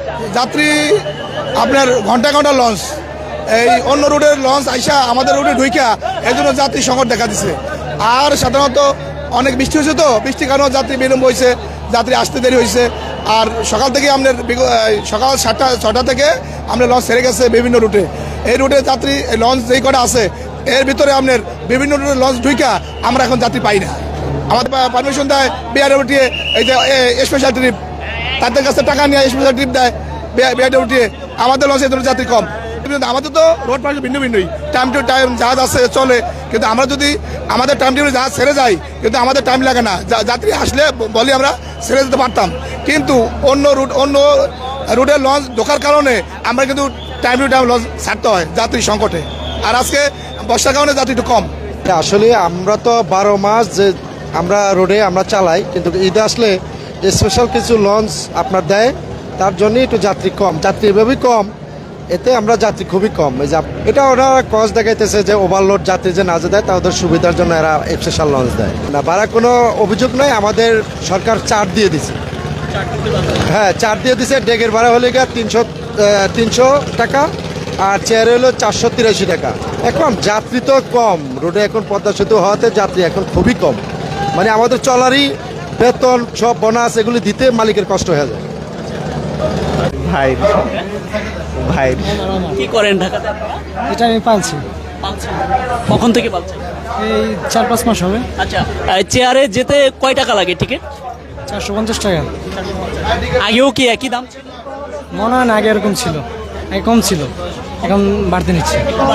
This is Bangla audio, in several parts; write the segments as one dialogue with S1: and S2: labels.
S1: যাত্রী আপনার ঘন্টা ঘন্টা লঞ্চ, এই অন্য রুটের লঞ্চ আইসা আমাদের রুটে ঢুইকা এই জন্য যাত্রী সংকট দেখা দিচ্ছে। আর সাধারণত অনেক বৃষ্টি হয়েছে, তো বৃষ্টির কারণে যাত্রী বিলম্ব হয়েছে, যাত্রী আসতে দেরি হয়েছে। আর সকাল থেকে আপনার সকাল 7টা থেকে আপনার লঞ্চ ছেড়ে গেছে বিভিন্ন রুটে। এই রুটে যাত্রী লঞ্চ যেই কটা আছে এর ভিতরে আপনার বিভিন্ন রুটের লঞ্চ ঢুইকা আমরা এখন যাত্রী পাই না। আমাদের পারমিশন দেয় বিআরডব্লিউটিএ, এই যে স্পেশাল ট্রিপ, তাদের কাছে টাকা নিয়ে স্পেশাল ট্রিপ দেয় বিআরডব্লিউটিএ। আমাদের লঞ্চে এই যাত্রী কম। আমাদের তো রোড পার্টি ভিন্ন ভিন্নই, টাইম টু টাইম জাহাজ আছে চলে, কিন্তু আমরা যদি আমাদের টাইম টেবিলে জাহাজ ছেড়ে যাই কিন্তু আমাদের টাইম লাগে না। যাত্রী আসলে বলি আমরা ছেড়ে যেতে পারতাম, কিন্তু অন্য রুটের লঞ্চ ঢোকার কারণে আমরা কিন্তু টাইম টু টাইম লঞ্চ ছাড়তে হয় যাত্রী সংকটে। আর আজকে বর্ষার কারণে যাত্রী একটু কম।
S2: আসলে আমরা তো 12 মাস যে আমরা রোডে আমরা চালাই, কিন্তু ঈদ আসলে স্পেশাল কিছু লঞ্চ আপনার দেয়, তার জন্যই একটু যাত্রী কম, যাত্রী এভাবেই কম, এতে আমরা যাত্রী খুবই কম। এই যে এটা ওরা কজ দেখাইতেছে যে ওভারলোড যাত্রী যে না দেয় তাদের সুবিধার জন্য এরা স্পেশাল লঞ্চ দেয় না। ভাড়া কোনো অভিযোগ নয়, আমাদের সরকার চার্জ দিয়ে দিছে। হ্যাঁ, চার্জ দিয়ে দিছে। ডেকের ভাড়া হলে গিয়ে 300 টাকা, আর চেয়ারে হলো 483 টাকা। এখন যাত্রী তো কম রোডে, এখন পদ্মা সেতু হওয়াতে যাত্রী এখন খুবই কম। মানে আমাদের চলারই বেতন সব বোনাস এগুলি দিতে মালিকের কষ্ট হয়ে যায়।
S3: ভাই ভাই
S4: কি করেন ঢাকাতে?
S5: এটা আমি পালছি,
S4: কখন থেকে পাচ্ছেন?
S5: এই 4-5 মাস হবে।
S4: আচ্ছা, চেয়ারে যেতে কয় টাকা লাগে টিকিট?
S5: 450 টাকা।
S4: আগেও কি একই দাম ছিল?
S5: মনে হয় না আগে এরকম ছিল, আগে কম ছিল, এখন বাড়তে নিচ্ছে।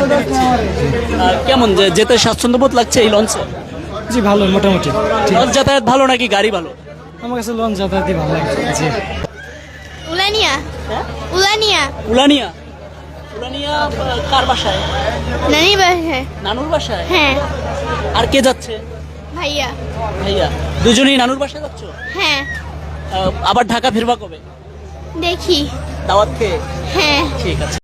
S4: কেমন যেতে স্বাচ্ছন্দ্য বোধ লাগছে এই লঞ্চে?
S5: জি ভালো, মোটামুটি ঠিক।
S4: লঞ্চ যাতায়াত ভালো নাকি গাড়ি ভালো?
S5: আমার কাছে লঞ্চ যাতায়াতই ভালো লাগে। জি।
S6: উলানিয়া। উলানিয়া।
S4: উলানিয়া? উলানিয়া কার বাসায়?
S6: নানি বাসায়।
S4: নানুর বাসায়?
S6: হ্যাঁ।
S4: আর কে যাচ্ছে?
S6: ভাইয়া।
S4: ভাইয়া দুজনেই নানুর বাসায় যাচ্ছ?
S6: হ্যাঁ।
S4: আবার ঢাকা ফিরবা কবে?
S6: দেখি।
S4: দাওয়াত খেয়ে?
S6: হ্যাঁ।
S4: ঠিক আছে।